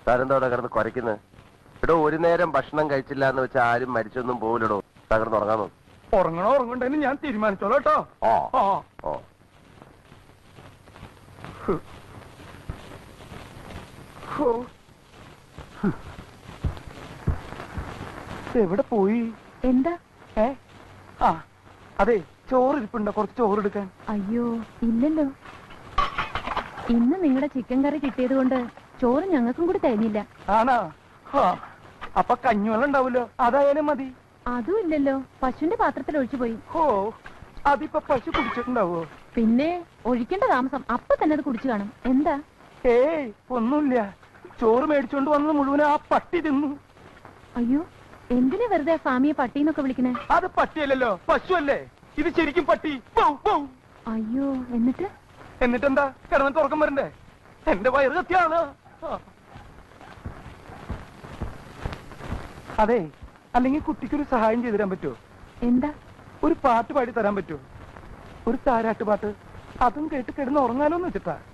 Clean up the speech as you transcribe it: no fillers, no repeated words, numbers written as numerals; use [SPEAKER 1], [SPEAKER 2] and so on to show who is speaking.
[SPEAKER 1] താരെന്താ അവിടെ കിടന്ന് കുരയ്ക്കുന്നത്? എടോ, ഒരു നേരം ഭക്ഷണം കഴിച്ചില്ല എന്ന് വെച്ചാൽ ആരും മരിച്ചൊന്നും പോവില്ലടോ. തകർന്ന് ഉറങ്ങാമോ?
[SPEAKER 2] ഉറങ്ങണോ ഉറങ്ങണ്ടെന്ന് ഞാൻ തീരുമാനിച്ചോളൂ കേട്ടോ. എവിടെ പോയി?
[SPEAKER 3] എന്താ?
[SPEAKER 2] അതെ, ചോറ് ഇരിപ്പുണ്ടോ? കുറച്ച് ചോറ് എടുക്കാൻ.
[SPEAKER 3] അയ്യോ ഇല്ലല്ലോ, ഇന്ന് നിങ്ങളുടെ ചിക്കൻ കറി കിട്ടിയത് കൊണ്ട് ചോറ് ഞങ്ങൾക്കും കൂടി തരുന്നില്ല.
[SPEAKER 2] ആണോ? അപ്പൊ കഞ്ഞിവെള്ളം ഉണ്ടാവൂലോ, അതായാലും മതി.
[SPEAKER 3] അതും ഇല്ലല്ലോ, പശുവിന്റെ പാത്രത്തിൽ ഒഴിച്ചു പോയി.
[SPEAKER 2] അതിപ്പോ പശു കുടിച്ചിട്ടുണ്ടാവോ?
[SPEAKER 3] പിന്നെ ഒഴിക്കേണ്ട താമസം, അപ്പൊ തന്നെ അത് കുടിച്ചു കാണും. എന്താ?
[SPEAKER 2] ഏയ് ഒന്നുമില്ല, ചോറ് മേടിച്ചോണ്ട് വന്നത് മുഴുവൻ ആ പട്ടി തിന്നു.
[SPEAKER 3] അയ്യോ, എന്തിനാ വെറുതെ സ്വാമിയെ പട്ടിന്നൊക്കെ വിളിക്കണേ?
[SPEAKER 2] അത് പട്ടിയല്ലല്ലോ, പശു അല്ലേ. ഇത് ശരിക്കും പട്ടി.
[SPEAKER 3] അയ്യോ, എന്നിട്ടെന്താ?
[SPEAKER 2] കിടന്നിട്ട് ഉറക്കം വരണ്ടേ? എന്റെ വയറ് കത്തിയാണ്. അതെ, അല്ലെങ്കിൽ കുട്ടിക്കൊരു സഹായം ചെയ്തു തരാൻ പറ്റുമോ?
[SPEAKER 3] എന്താ?
[SPEAKER 2] ഒരു പാട്ട് പാടി തരാൻ പറ്റുമോ? ഒരു താരാട്ട് പാട്ട്. അതും കേട്ട് കിടന്ന് ഉറങ്ങാലോന്ന് വെച്ചിട്ടാ.